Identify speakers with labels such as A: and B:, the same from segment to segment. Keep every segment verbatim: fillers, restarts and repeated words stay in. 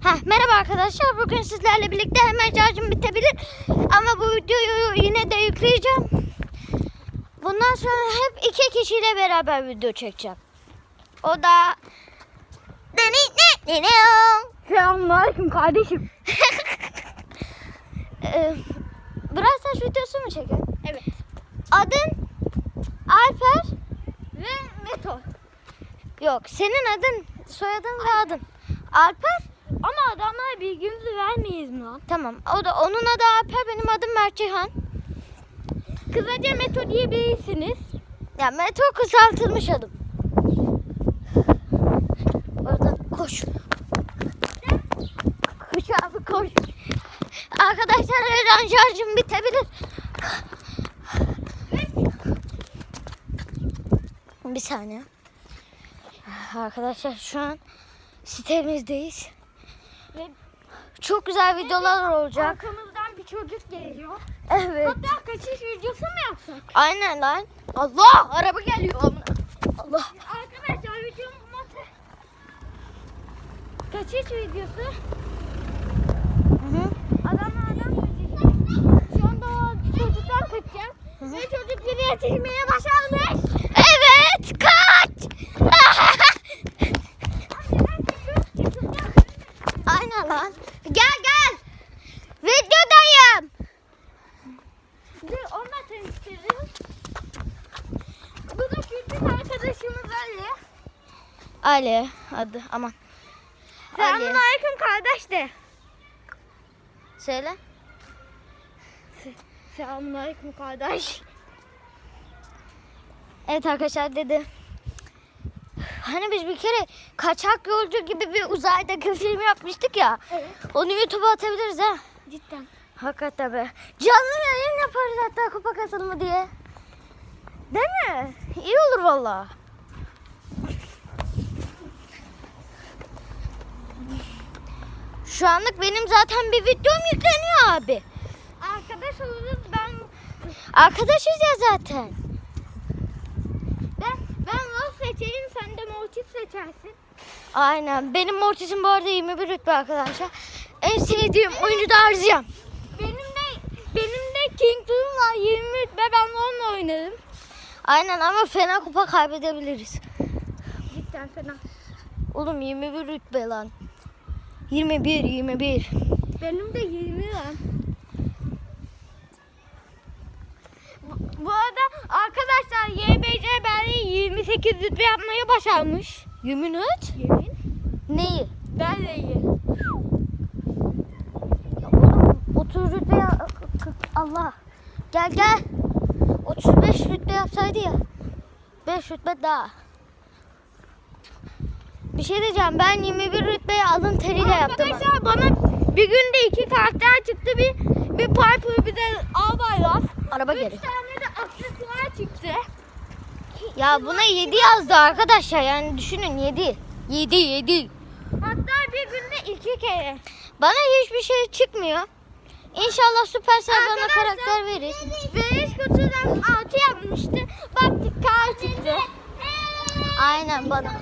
A: Heh, merhaba arkadaşlar. Bugün sizlerle birlikte hemen şarjım bitebilir. Ama bu videoyu yine de yükleyeceğim. Bundan sonra hep iki kişiyle beraber video çekeceğim. O da...
B: Selamünaleyküm kardeşim.
A: ee, Brawl Stars videosu mu çekiyor?
B: Evet.
A: Adın Alper
B: Ve Meto.
A: yok. Senin adın, soyadın ve adın Alper.
B: Ama adamlara bilgimizi vermeyiz mi lan?
A: Tamam. O da onun adı Alper, benim adım Mert Cihan.
B: Kısaca Meto diyebilirsiniz.
A: Ya Meto kısaltılmış adım. Orada koş. Koş abi koş. Arkadaşlar her an şarjım bitebilir. Bir saniye. Arkadaşlar şu an sitemizdeyiz.
B: Ve
A: Çok güzel videolar olacak.
B: arkamızdan bir çocuk geliyor.
A: Evet.
B: Hatta kaçış videosu mu yapsak?
A: Aynen lan. Allah, araba geliyor. Allah.
B: Arkadaşlar videomuz kaçış videosu.
A: Hı hı.
B: Adamla adam kaçacak. Şu anda o çocuktan kaçacağım.
A: Hı hı.
B: Ve çocuk biri yetişmeye başarmış.
A: Evet, kaç. Aynen lan. Gel gel. Videodayım.
B: Dur onunla tanıştırırız. Bu da küçük arkadaşımız Ali.
A: Ali adı, aman. Ali.
B: Selamünaleyküm kardeş de.
A: Söyle.
B: Selamünaleyküm kardeş.
A: Evet arkadaşlar dedi. Hani biz bir kere kaçak yolcu gibi bir uzaydaki film yapmıştık ya.
B: Evet.
A: Onu YouTube'a atabiliriz ha.
B: Cidden.
A: Hakikaten be. Canlı yayın yaparız hatta, kupa kasılımı diye. Değil mi? İyi olur valla. Şu anlık benim zaten bir videom yükleniyor abi.
B: Arkadaş oluruz ben.
A: Arkadaşız ya zaten.
B: Ben ben Rose seçeyim sen de Mortis seçersin.
A: Aynen. Benim Mortis'im bu arada yirmi bir rütbe arkadaşlar. En sevdiğim oyuncu da Arziyam.
B: Benim de benim de King Doom var yirmi ve ben onunla oynarım.
A: Aynen ama fena kupa kaybedebiliriz.
B: Cidden fena.
A: Oğlum yirmi bir rütbe lan. yirmi bir, yirmi bir.
B: Benim de yirmi var. Bu, bu arada arkadaşlar Y B C Berli yirmi sekiz rütbe yapmayı başarmış.
A: Yemin et.
B: Yemin.
A: Neyi?
B: Berli'yi.
A: Ya oğlum otuz rütbe ya- Allah. Gel gel. otuz beş rütbe yapsaydı ya. beş rütbe daha. Bir şey diyeceğim, ben yirmi bir rütbeyi alın teriyle yaptım.
B: Arkadaşlar bana bir günde iki karakter çıktı. Bir bir Piper bir de Albayrak.
A: Araba
B: Üç
A: geri.
B: tane de aksesuar çıktı.
A: Ya buna yedi yazdı arkadaşlar, yani düşünün yedi. yedi yedi.
B: Hatta bir günde iki kere.
A: Bana hiçbir şey çıkmıyor. İnşallah Supercell bana
B: Arkadaşlar,
A: karakter verir.
B: Beleş kutudan altı yapmıştı. Baktık kar çıktı.
A: Aynen bana.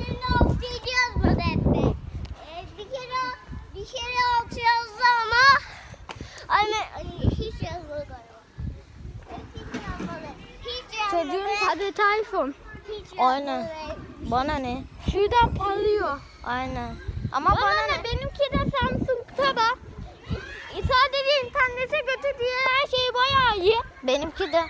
B: Bir kere bir kere altı yazdı ama anne hiç yazmadı galiba. Hiç yazmadı. Hiç yazmadı. Çocuğun tableti iPhone. Hiç
A: Aynen. Bana ne?
B: Şuradan parlıyor.
A: Aynen. Ama
B: Bana,
A: bana
B: ne?
A: ne?
B: Benimki de Samsung Tab. Sadece internete kötü diye her şey bayağı iyi.
A: Benimki de.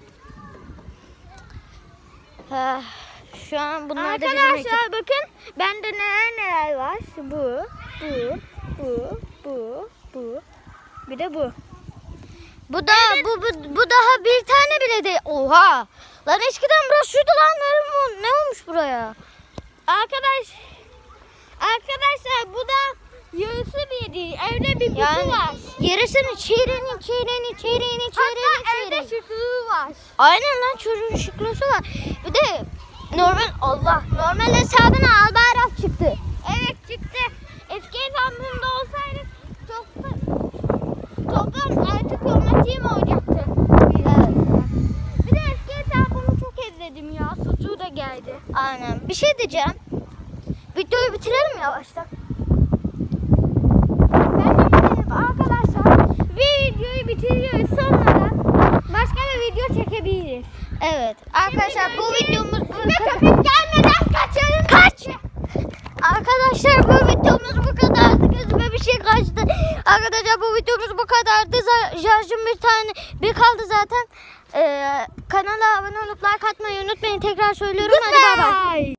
A: Heh, şu an bunlar da bizim ekip.
B: Arkadaşlar bakın bende neler neler var. Bu, bu, bu, bu, bu. Bir de bu.
A: Bu da bu, bu bu daha bir tane bile değil. Oha. Lan eskiden burası şuydu lan. Ne, ne olmuş buraya?
B: Arkadaş Arkadaşlar bu da yarısı bir değil. Evde bir kutu
A: Yani
B: var.
A: yarısını çeyreğini çeyreğini çeyreğini çeyreğini
B: Hatta evde
A: çeyreğini.
B: şıklığı var.
A: Aynen lan, çocuğun şıklısı var. Bir de normal Allah normal hesabına Albayrak çıktı.
B: Evet çıktı. Eski hesabımda olsaydı çok toplam artık kromatiğim olacaktı.
A: Evet.
B: Bir de eski hesabımı çok ezledim ya. Sucuğu da geldi.
A: Aynen. Bir şey diyeceğim. Videoyu bitirelim yavaştan. Evet arkadaşlar bu videomuz bu kadar.
B: Gelmeden kaçalım.
A: Kaç. Arkadaşlar bu videomuz bu kadardı. Gözüme bir şey kaçtı. Arkadaşlar bu videomuz bu kadardı. Z- Şarjım bir tane bir kaldı zaten. Ee, kanala abone olup like atmayı unutmayın. Tekrar söylüyorum. Hadi bay bay.